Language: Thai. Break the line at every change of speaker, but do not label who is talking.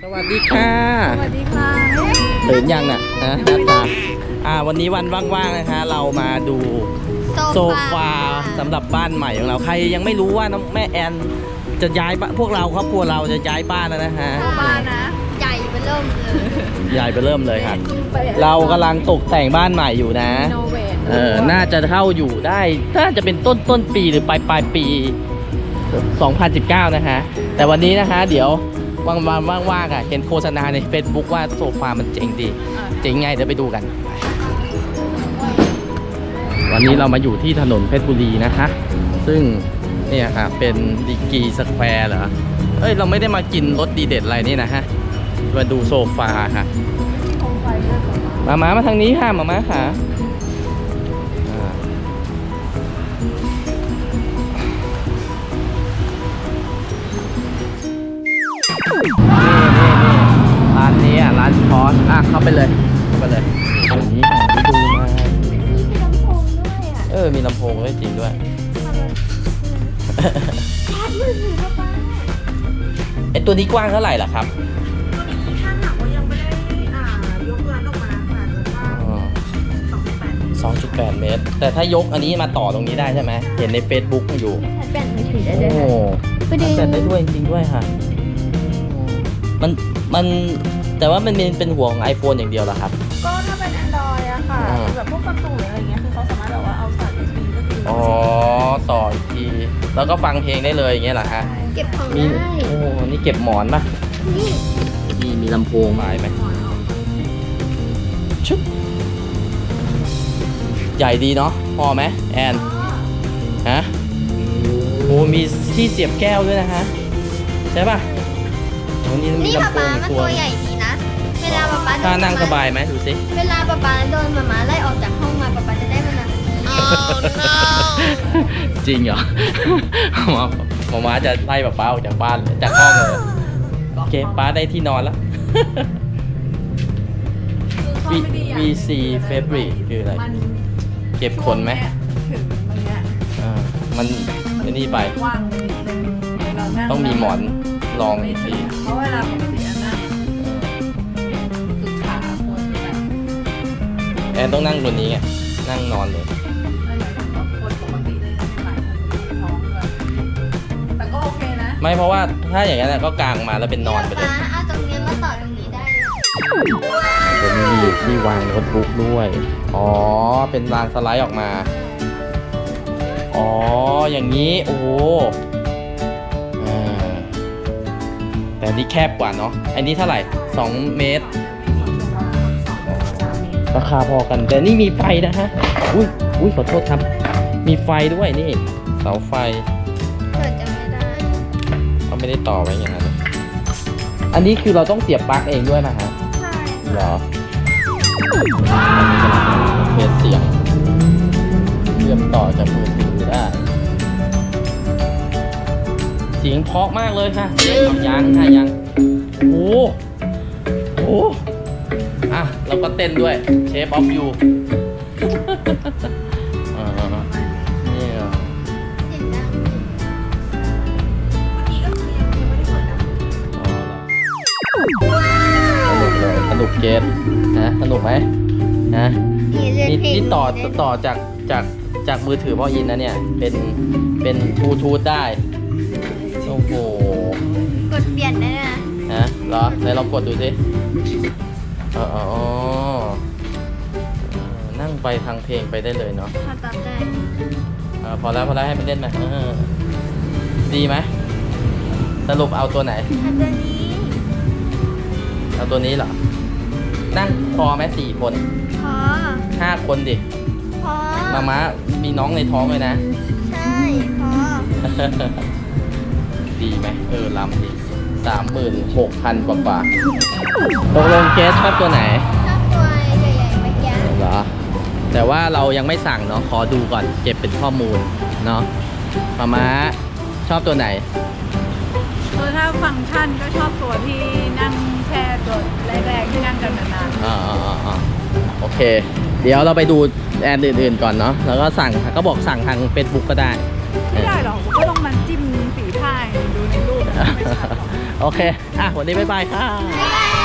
สวัสดีค่ะ
สวัสดีค่ะ
ตื่นยังน่ะหน้าตาวันนี้วันว่างๆนะคะเรามาดูโซฟาสำหรับบ้านใหม่ของเราใครยังไม่รู้ว่าน้องแม่แอนจะย้ายพวกเราครอบครัวเราจะย้ายบ้านแล้วนะฮะ
บ้านนะใหญ่ไปเริ่มเลย
ใหญ่ไปเริ่มเลยค่ะเรากำลังตกแต่งบ้านใหม่อยู่นะน่าจะเข้าอยู่ได้น่าจะเป็นต้นปีหรือปลายปี2019นะฮะแต่วันนี้นะคะเดี๋ยวว่างๆเห็นโฆษณาใน Facebook ว่าโซฟามันเจ๋งดีเจ๋งไงเดี๋ยวไปดูกันวันนี้เรามาอยู่ที่ถนนเพชรบุรีนะคะซึ่งเนี่ยค่ะเป็นดีกีสแควร์เหรอเราไม่ได้มากินรสดีเด็ดอะไรนี่นะฮะมาดูโซฟาค่ะมาทางนี้ค่ะมาค่ะร้านนี้ร้านพอสเข้าไปเลยตรงนี้ที่ดูมามีลำโพงด้วยจริงด้วยไอตัวนี้กว้างเท่าไหร่ล่ะครับ
ตัวนี้ถ้าหากว่ายังไม่ได้ยกร้านออกมาค่ะจะว่า2.8 เมตร
แต่ถ้ายกอันนี้มาต่อตรงนี้ได้ใช่ไหมเห็นใน Facebook อยู่
แบตมือถือได้ด้วย
แบตได้ด้วยจริงด้วยค่ะมันแต่ว่ามันเป็นหัวของ iPhone อย่างเดียวเหรอครับ
ก็ถ้าเป็น Android อะค่ะแบบพวกซัมซุงหรืออะไรเงี้ยคือเขาสามารถแบบว่าเอาสาย USB ก็คือ
ต่ออีกทีแล้วก็ฟังเพลงได้เลยอย่างเงี้ยเหรอฮะ
เก็บของได้
นี่เก็บหมอนป่ะนี่มีลำโพงมาไหมชุบใหญ่ดีเนาะพอไหมแอนฮะมีที่เสียบแก้วด้วยนะฮะใช่ป่ะ
นี่ป๊าป๊ามันตัวใหญ่ดีนะเวลาป๊าป๊า
ถ้านั่งสบายไหมดูสิ
เวลาป๊าป๊าโดนหมาไล่ออกจากห้องมาป๊าป๊าจะได้มานั่ง
จริงเหรอหมาจะไล่ป๊าออกจากบ้านจากห้องเลยโอเคป๊าได้ที่นอนแล้ว VC Fabric คืออะไรเก็บขนไหมมันนี่ไปต้องมีหมอนลองอีกที
เพราะเวลาปกตินะคือขาควรจะแบบ
แอนต้องนั่งบนนี้นั่งนอนเลย
คนปกติเลยหลายคนท้องเลยแต่ก็โอเคนะ
ไม่เพราะว่าถ้าอย่างนั้นก็กางมาแล้วเป็นนอนไปเลย
เอาตรงนี้มาต่อตรงนี้ได้
ตรงนี้มีที่วางโน้ตบุ๊กด้วยเป็นรางสไลด์ออกมาอย่างนี้โอ้แต่นี่แคบกว่าเนาะอันนี้เท่าไหร่2 เมตรราคาพอกันแต่นี่มีไฟนะฮะอุ้ยขอโทษครับมีไฟด้วยนี่เสาไฟ
เปิดจะไม่ได้
เขาไม่ได้ต่อไว้อย่างนั้นอันนี้คือเราต้องเสียบปลั๊กเองด้วยนะฮะ
ใช่
เหรอเทสเสียงเชื่อมต่อจากมือถือได้เสียงเพราะมากเลยค่ะยังโอ้เราก็เต้นด้วยเชฟออฟยูนี่สนุกเกมนะสนุกไหมนะนี่ต่อจากมือถือพ่ออินนะเนี่ยเป็นบลูทูธได้โอ้โห
กดเปลี่ยนได้
นะเหรอไหนลองกดดูสินั่งไปทางเพลงไปได้เลยเนาะ
ตัดได้
พอแล้วให้มันเล่นไหมดีไหมสรุปเอาตัวไหนเอาตัวนี้เหรอนั่งพอไหม4 คน
พอ
5 คนดิ
พอ
ม้ามีน้องในท้องเลยนะ
ใช่พอ
ดีไหมลำดี36,000 กว่าตกลงเกสชอบตัวไหน
ชอบตัวใหญ่ๆเมื่อกี้
เหรอแต่ว่าเรายังไม่สั่งเนาะขอดูก่อนเก็บเป็นข้อมูลเนาะม้าชอบตัวไหน
ถ้าฟังก์ชันก็ชอบตัวที่นั่งแช่ตัวแรกๆที่นั่งกันนาน
ๆโอเคเดี๋ยวเราไปดูแอนอื่นๆก่อนเนาะแล้วก็สั่งก็บอกสั่งทาง Facebook ก็ได้
ไม่ได้หรอกก็ต้องมาจิ้มฝีพายดูในรูป
โอเค วันนี้บ๊ายบายค่ะ
บ๊ายบาย